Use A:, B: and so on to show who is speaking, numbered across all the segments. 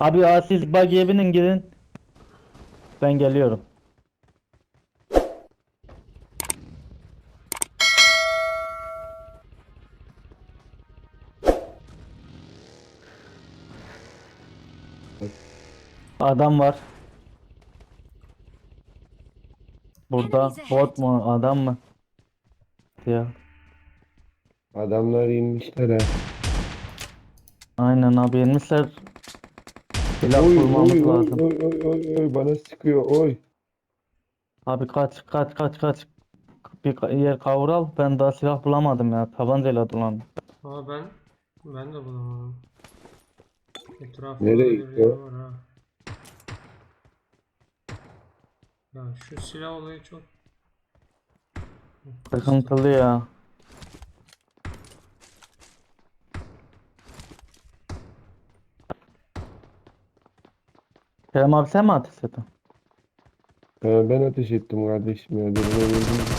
A: Abi ya siz buggy'e binin gidin. Ben geliyorum. Adam var.
B: Enemies
A: Burada
B: ahead.
A: bot mu adam mı? Ya.
C: Adamlar inmişler ha.
A: Aynen abi inmişler. Silah
C: Oy oy
A: bulmamız
C: oy
A: lazım.
C: oy oy oy oy bana sıkıyor oy.
A: Abi kaç kaç kaç kaç. Bir yer kavural. Ben daha silah bulamadım ya. Tabancayla dolandım.
D: Aa ben de bulamadım. Etrafımda
C: Nereye
D: birileri
C: gidiyor?
D: var ha. Ya şu silah olayı çok kastı.
A: Sıkıntılı ya. Kerem abi sen mi ateş ettin?
C: Ben ateş ettim kardeşim ya. Birine vurdum.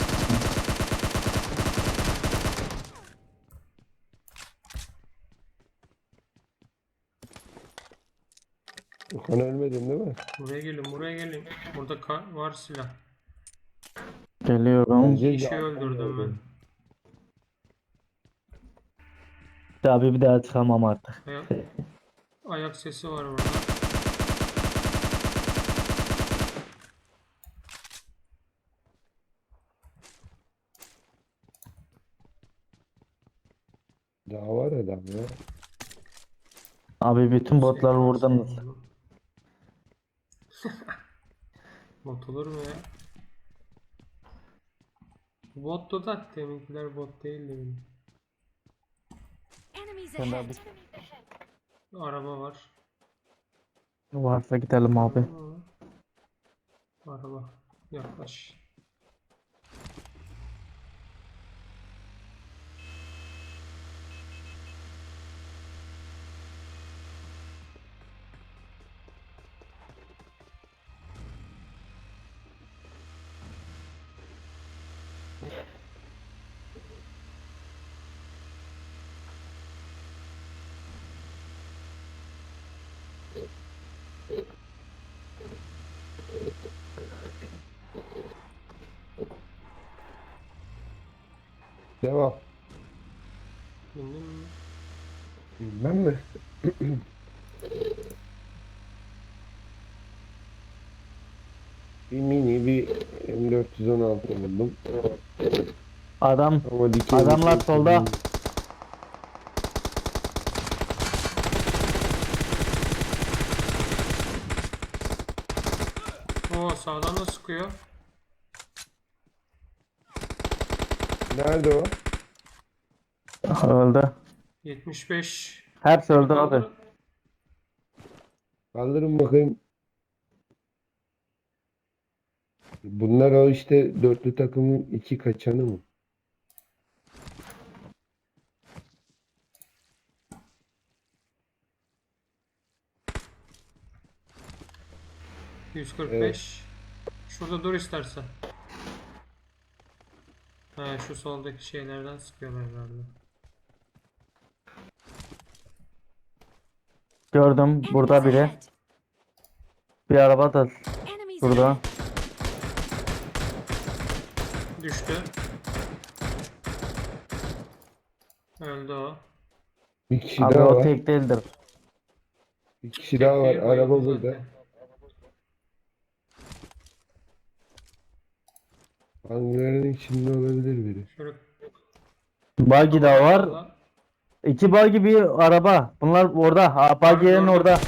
C: Okan ölmedin değil mi?
D: Buraya gelin, buraya gelin. Burada var silah.
A: Geliyorum.
D: İki
C: Öleceğiz de
D: kişi
C: arkan
D: öldürdüm ben.
C: geldi.
A: Abi bir daha çıkamam artık.
D: Ayak, ayak sesi var burada.
C: Daha var adam ya.
A: Abi bütün botları
D: SKS
A: vurdunuz.
D: buldum. Bot olur mu ya? Bottu da deminkiler bot değildi benim.
B: Enemies
A: Sen de
B: ahead.
A: abi
D: Araba var.
A: varsa gidelim abi.
D: Araba. Yaklaş.
C: Devam.
D: Bindin mi?
C: Bilmem mi? Bir mini bir M416 buldum.
A: Adam
C: Ama dikenli
A: adamlar
C: çok
A: solda.
C: değil.
D: Oo sağdan da sıkıyor.
C: Nerede o?
A: Öldü.
D: 75.
A: Hepsi
D: Beni
A: öldü abi.
D: kaldır.
C: Kaldırın bakayım. Bunlar o işte dörtlü takımın iki kaçanı mı? Evet.
D: 145. Şurada dur istersen. He şu soldaki şeylerden sıkıyorlar herhalde.
A: Gördüm
B: Enemies
A: burada biri.
B: ahead.
A: Bir araba da
B: Enemies
A: burada.
B: ahead.
D: Düştü. Öldü o.
C: Bir kişi
A: Abi
C: daha
A: o
C: var.
A: tek değildir.
C: Bir kişi daha
D: Tek
C: var.
D: değil bayıldı
C: Araba burada.
D: zaten.
C: Hangarın içinde olabilir biri.
D: Şöyle
A: Buggy de
D: kafana
A: var.
D: salla.
A: İki buggy bir araba. Bunlar orada. Ha,
D: Abi
A: buggy'nin
D: gördüm.
A: orada.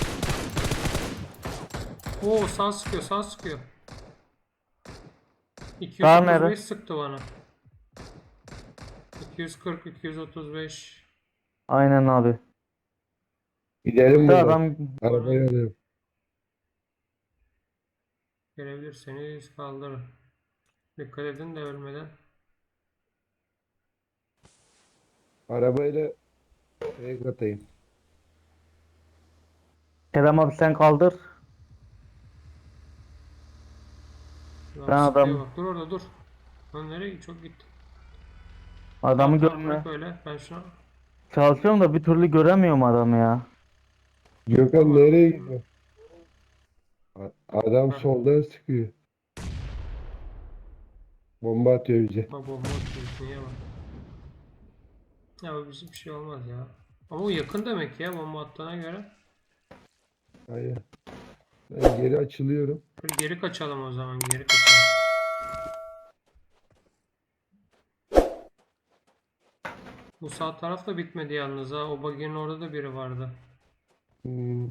D: Oo sağ sıkıyor sağ sıkıyor.
A: Sağ
D: 235
A: nerede?
D: sıktı bana. 240 235.
A: Aynen abi.
C: Gidelim
A: Bir
C: buradan.
A: adam
C: Arabayı alıyorum.
D: Gelebilirseniz kaldırın. Dikkat edin de ölmeden.
C: Arabayla fake atayım.
A: Kerem abi sen kaldır.
D: Adam
A: Ben
D: sıkıyor
A: adam
D: bak. Dur orada dur. Lan nereye çok gitti.
A: adamı
D: Tamam tamam
A: görmüyor.
D: bırak öyle. Ben şuna
A: Çalışıyorum da bir türlü göremiyorum adamı ya.
C: Gökhan nereye gidiyor? Adam
D: Ha.
C: soldan sıkıyor. Bomba atıyor bize.
D: Bak bomba atıyor. Niye bak. Ya bu bir şey olmaz ya. Ama o yakın demek ya bomba attığına göre.
C: Hayır. Ben geri açılıyorum.
D: Geri kaçalım o zaman. Geri kaçalım. Bu sağ taraf da bitmedi yalnız ha. O bagajın orada da biri vardı.
C: Hmm.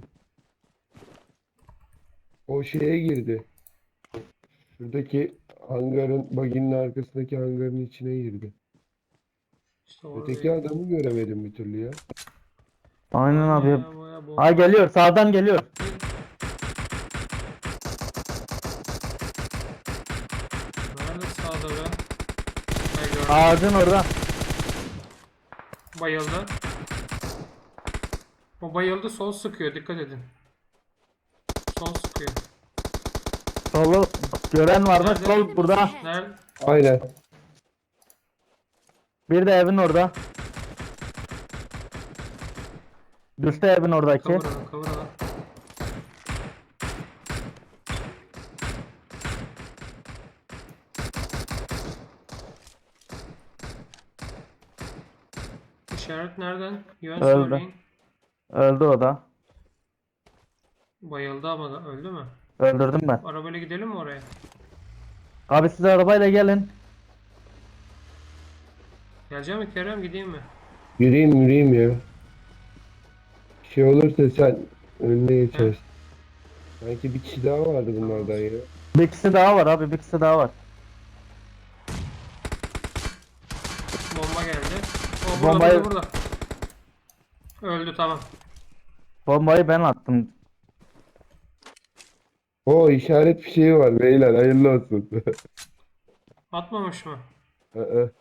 C: O şeye girdi. Şuradaki hangarın, baginin arkasındaki hangarın içine girdi.
D: İşte
C: Öteki
D: orada.
C: adamı göremedim bir türlü ya.
A: Aynen
D: Aynen
A: abi.
D: ya baya bomba.
A: Ha geliyor, sağdan geliyor.
D: Nerede sağda be? Ha gördüm.
A: Ağacın orada.
D: Bayıldı. O bayıldı sol sıkıyor dikkat edin. Sol sıkıyor.
A: Solu gören var mı?
D: Nerede?
A: Sol burada.
D: Nerede?
C: Aynen.
A: Bir de evin orada. Düştü evin oradaki.
D: Kıvıralım kıvıralım. İşaret nereden? Yön
A: Öldü.
D: söyleyin.
A: Öldü o da.
D: Bayıldı ama da öldü mü?
A: Öldürdüm ben.
D: Arabayla gidelim mi oraya?
A: Abi siz arabayla gelin.
D: Geleceğim mi Kerem gideyim mi?
C: Yürüyeyim ya. Bir şey olursa sen önüne geçersin. Sanki bir kişi daha vardı bunlardan ya.
A: Bir kişi daha var abi, bir kişi daha var.
D: Bomba geldi. O burada
A: Bombayı-
D: burada. Öldü tamam.
A: Bombayı ben attım.
C: O işaret fişeği var beyler, hayırlı olsun.
D: Atmamış mı?
C: Aa,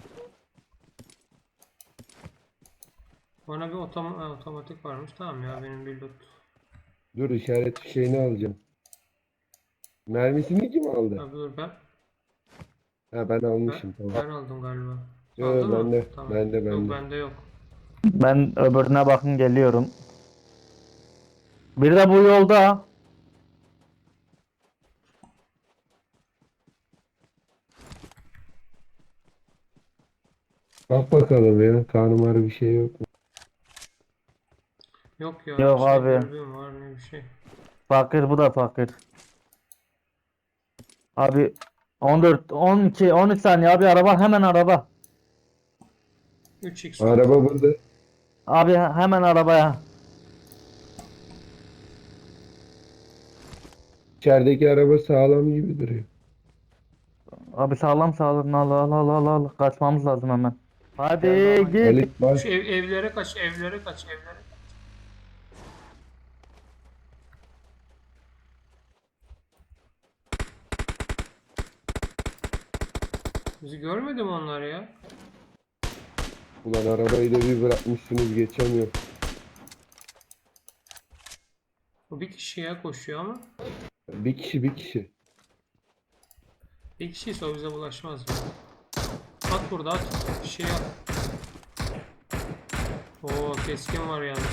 D: Bana bir otomatik varmış. Tamam ya benim bir loot.
C: Dur, işaret fişeğini alacağım. Mermisini kim aldı?
D: Abi dur ben.
C: Ha, ben almışım, tamam.
D: Ben aldım galiba.
C: Yo,
D: Aldın mı?
C: bende,
D: Tamam.
C: bende,
D: Yok
C: bende.
D: bende yok.
A: Ben öbürüne bakın geliyorum. Bir de bu yolda.
C: Bak bakalım ya, karnım ağrı bir şey yok mu?
D: Yok ya.
A: Yok
D: bir şey
A: abi.
D: dürbün var ne bir şey.
A: Fakir, bu da fakir. Abi 14, 12, 13 saniye abi, araba, hemen araba.
D: 3x var.
C: Araba burada.
A: Abi hemen arabaya.
C: İçerideki araba sağlam gibi duruyor.
A: Abi sağlam sağlam, al al al al al. Kaçmamız lazım hemen. Hadi
D: Gel baba.
A: git.
C: Halit bak.
D: Şu evlere kaç, evlere kaç, evlere. Bizi görmedi mi onlar ya?
C: Ulan arabayı da bir bırakmışsınız, geçemiyorum.
D: O bir kişiye koşuyor ama.
C: Bir kişi, bir kişi.
D: Bir kişiyse o bize bulaşmaz ya. At burada at. Bir şey at. Oo keskin var yalnız.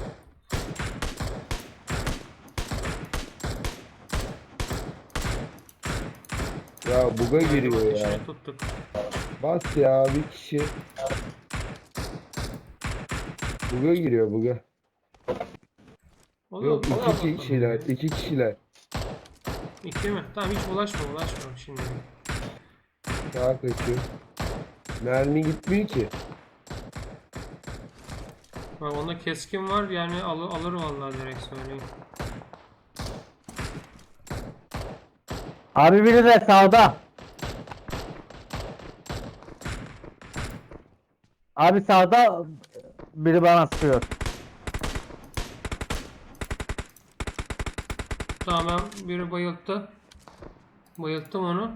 C: Ya buga giriyor ya.
D: Ateşini tuttuk.
C: Bas ya, bir kişi. Buga giriyor, buga.
D: O da,
C: Yok,
D: o da
C: iki
D: bakalım
C: kişiler,
D: ya.
C: iki kişiler.
D: İki mi? Tamam hiç bulaşma şimdi.
C: Sağa kaçıyor. Mermi gitmiyor ki.
D: Bak onda keskin var yani alır vallahi direkt söyleyeyim.
A: Abi biri de sağda. Abi sağda biri bana sıkıyor.
D: Tamam ben biri bayılttı. Bayılttım onu.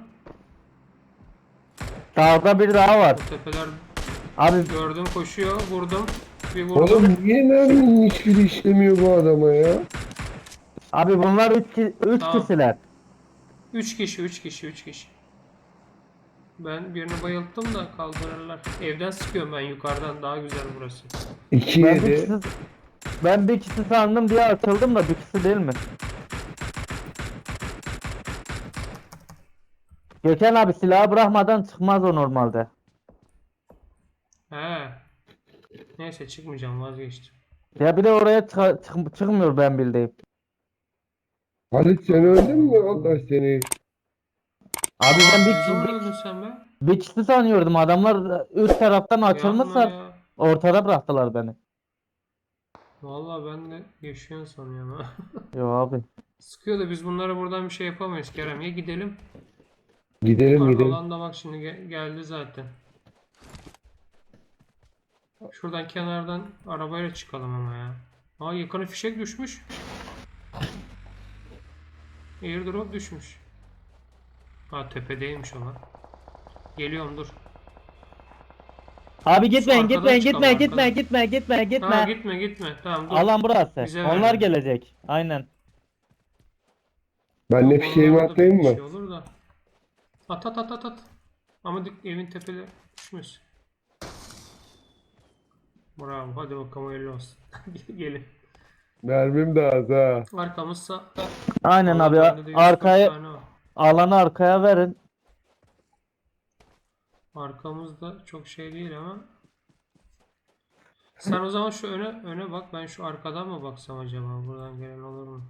A: Sağda biri daha var.
D: Bu tepeler
A: Abi
D: gördüm koşuyor. Vurdum. Bir vurdum.
C: Oğlum niye merminin hiçbiri işlemiyor bu adama ya?
A: abi bunlar 3
D: Tamam.
A: kişiler.
D: 3 kişi 3 kişi 3 kişi. Ben birini bayılttım da kaldırırlar. Evden sıkıyorum ben yukarıdan daha güzel burası.
C: İki
A: Ben bir
C: yedi.
A: kişi Ben bir kişi sandım diye açıldım da bir kişi değil mi? Gökhan abi silahı bırakmadan çıkmaz o normalde.
D: He. Neyse çıkmayacağım, vazgeçtim.
A: Ya bir de oraya çıkmıyor ben bildiğim.
C: Halit sen öldün mü? Allah seni.
A: Abi ben
D: Ne zaman öldün sen be?
A: bir kişi sanıyordum. Adamlar üst taraftan
D: Yapma
A: açılmışlar.
D: ya.
A: Ortada bıraktılar beni.
D: Vallahi ben de yaşıyorsun sanıyorum ha.
A: Yo abi.
D: Sıkıyor da biz bunlara buradan bir şey yapamayız Kerem. Ya gidelim.
C: Gidelim gidelim.
D: Alanda bak şimdi geldi zaten. Şuradan kenardan arabayla çıkalım ama ya. Aa, yakına fişek düşmüş. Airdrop düşmüş. Ha, tepedeymiş o lan. Geliyorum, dur.
A: Abi gitmeyin
D: arkadan
A: gitmeyin
D: çıkalım,
A: gitmeyin
D: arkadan.
A: gitmeyin gitmeyin gitmeyin
D: Ha,
A: gitme.
D: gitme. Tamam, dur.
A: Alan burası.
D: Bize
A: Onlar
D: ver.
A: gelecek. Aynen.
C: Ben de
D: Yok,
C: fişeğimi
D: onlarda da
C: atayım
D: bir
C: mı?
D: şey olur da. At. Ama evin tepeleri düşmüş. Bravo. Hadi bakalım, hayırlı olsun. Gelin.
C: Mermim de az ha.
D: Arkamızsa.
A: Aynen
D: Valla
A: abi
D: bende de 140
A: arkaya
D: tane var.
A: alanı arkaya verin.
D: Arkamızda çok şey değil ama. Sen o zaman şu öne bak. Ben şu arkadan mı baksam acaba? Buradan gelen olur mu?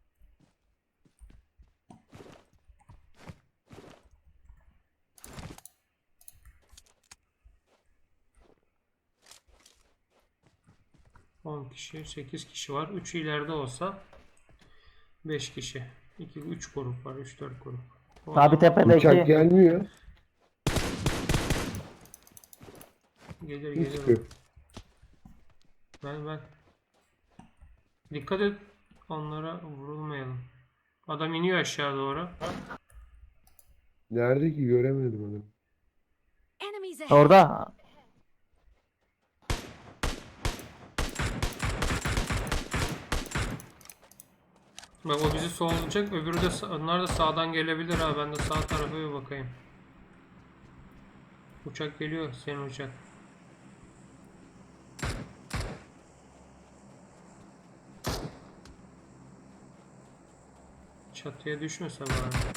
D: On kişi, 8 kişi var. 3'ü ileride olsa 5 kişi. 3 grup var. 3-4 grup. O
A: Abi
D: adamlar
A: tepedeki
C: Uçak gelmiyor.
D: gelir
C: Sıkıyor.
D: Ben. Dikkat et. Onlara vurulmayalım. Adam iniyor aşağı doğru.
C: Nerede ki göremedim onu.
B: Enemies ahead.
A: orada.
D: Bak, o bizi sollayacak. Öbürü de onlar da sağdan gelebilir ha. Ben de sağ tarafa bir bakayım. Uçak geliyor. Senin uçak. Çatıya düşmese bari.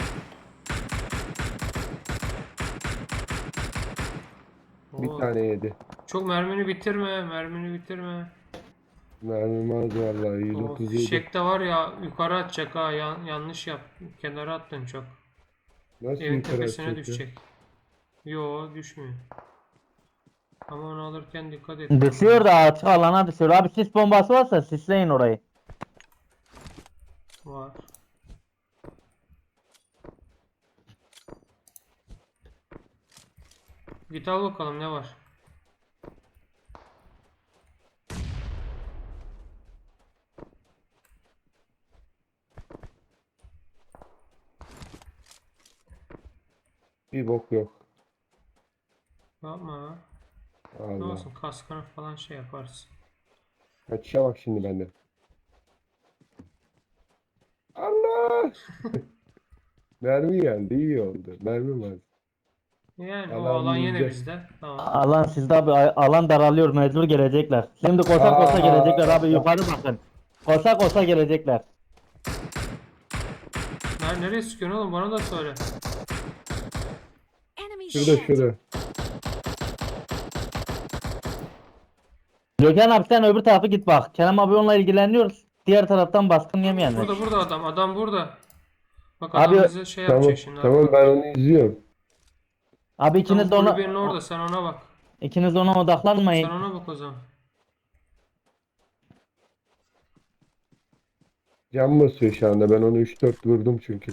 C: Bir
D: Oo.
C: tane yedi.
D: Çok mermini bitirme.
C: Mermim az vallahi
D: O
C: 137.
D: fişek de var ya, yukarı atacak ha. Yanlış yap. Kenara attın çok.
C: Nasıl
D: Evin
C: yukarı
D: tepesine
C: atacak ya?
D: düşecek. Yo, düşmüyor. Ama onu alırken dikkat et.
A: Düşüyor da açık alana düşüyor. Abi sis bombası varsa sisleyin orayı.
D: Var. Git al bakalım ne var.
C: Bir bok yok.
D: Yapma ha. Ne
C: Allah.
D: olsun, kaskını falan şey yaparsın.
C: Kaçışa bak şimdi bende. Allah! Mermi geldi iyi oldu. Mermi var.
D: Yani o
C: Alan
D: alan yine
C: bizde.
D: bizde. Tamam.
A: Alan sizde abi alan daralıyor mecbur gelecekler. Şimdi koşa koşa
C: Aa.
A: gelecekler abi yukarı bakın. Koşa koşa gelecekler.
D: Nereye sıkıyorsun oğlum? Bana da söyle.
B: Enemies
C: Şurada
B: ahead.
C: şurada.
A: Gökhan abi sen öbür tarafa git bak. Kerem abi onunla ilgileniyoruz. Diğer taraftan baskın yemeyenler.
D: Burada adam. Adam burada. Bak,
A: Abi-
D: adam bize şey
C: Tamam
D: yapacak şimdi.
C: tamam ben onu izliyorum.
A: Abi
D: Tam
A: ikiniz de ona
D: kulübenin orada, sen ona bak.
A: ikiniz de ona
D: Sen
A: odaklanmayın.
D: ona bak o zaman.
C: Can basıyor şu anda. Ben onu 3-4 vurdum çünkü.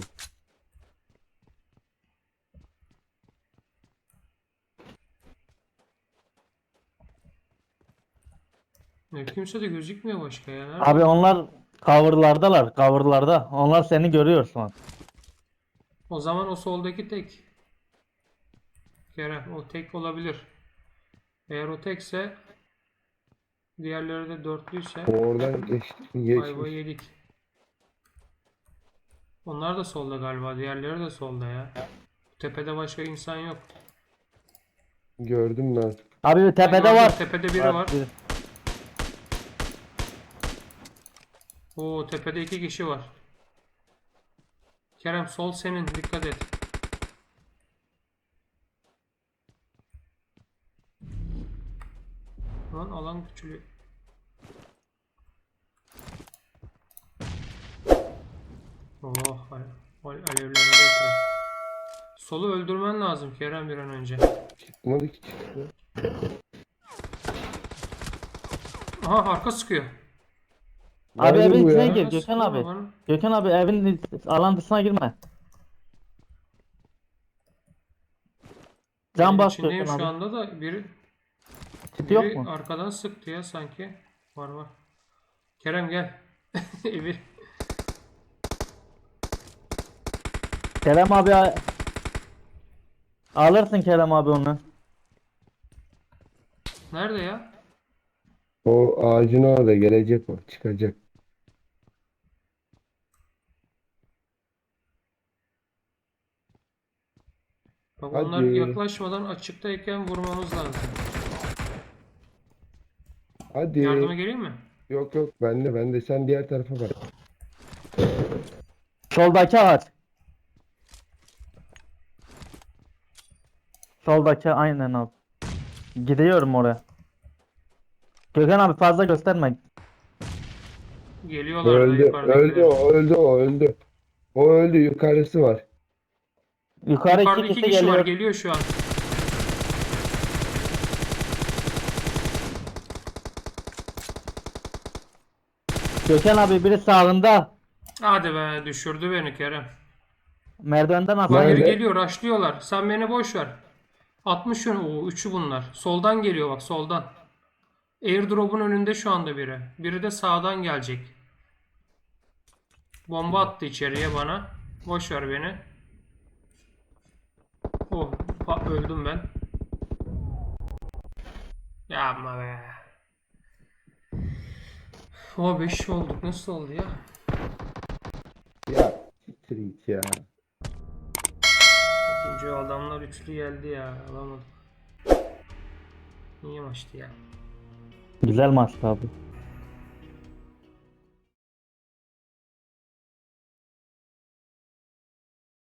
D: Kimse de gözükmüyor başka ya. Nerede?
A: Abi onlar coverlardalar. Coverlarda. Onlar seni görüyor şu an.
D: O zaman o soldaki tek. Kerem, o tek olabilir. Eğer o tekse, diğerleri de dörtlüyse
C: O oradan geçti.
D: ayvayı
C: Geçmiş.
D: yedik. Onlar da solda galiba. Diğerleri de solda ya. Tepede başka insan yok.
C: Gördüm lan.
A: Abi
D: Ben
A: tepede
D: gördüm,
A: var.
D: tepede biri var. Oo, tepede 2 kişi var. Kerem sol senin, dikkat et. Lan alan küçülüyor. Oh, alevlendi etraf. Solu öldürmen lazım Kerem bir an önce.
C: Çıkmadı ki çıktı.
D: Aha, arka sıkıyor.
A: Abi
C: Nerede
A: evin
C: bu
A: içine
C: ya?
A: gir
D: Arka
A: Gökhan
D: sıkıyor
A: abi.
D: bana.
A: Gökhan abi evin alan dışına girme. Can
D: Evin
A: bas
D: içindeyim
A: Gökhan
D: şu
A: abi.
D: anda da
A: Kit yok
D: biri
A: mu?
D: arkadan sıktı ya sanki. Var var. Kerem gel. Evi.
A: Kerem abi alırsın Kerem abi onu.
D: Nerede ya?
C: O ağacın orada gelecek o. Çıkacak.
D: Bak onlar
C: Hadi.
D: yaklaşmadan açıktayken vurmamız lazım. Yardıma
C: Hadi.
D: geleyim mi?
C: Yok yok bende. Sen diğer tarafa bak.
A: Soldaki ağaç. Soldaki aynen abi. Gidiyorum oraya. Gökhan abi fazla gösterme.
D: Geliyorlar da
C: Öldü. Öldü
D: yukarıdakiler.
C: o. Öldü o. Öldü. O öldü. Yukarısı var.
A: Yukarı
D: Yukarıda
A: iki
D: iki
A: kişi
D: kişi var,
A: geliyor.
D: geliyor şu an.
A: Gökhan abi biri sağında.
D: Hadi be, düşürdü beni Kerem.
A: Merdivenden
D: Bak
A: aşağı
D: geri
A: iniyor.
C: Nerede?
D: geliyor, rushlıyorlar. Sen beni boş ver. 60 yön. Oo, üçü bunlar. Soldan geliyor bak, soldan. Airdrop'un önünde şu anda biri. Biri de sağdan gelecek. Bomba attı içeriye bana. Boş ver beni. Oh, öldüm ben. Yapma be. O 5 olduk. Nasıl oldu ya?
C: Ya. Siktir git ya.
D: İkinci adamlar üçlü geldi ya. Alamadım. İyi maçtı ya.
A: Güzel maçtı abi.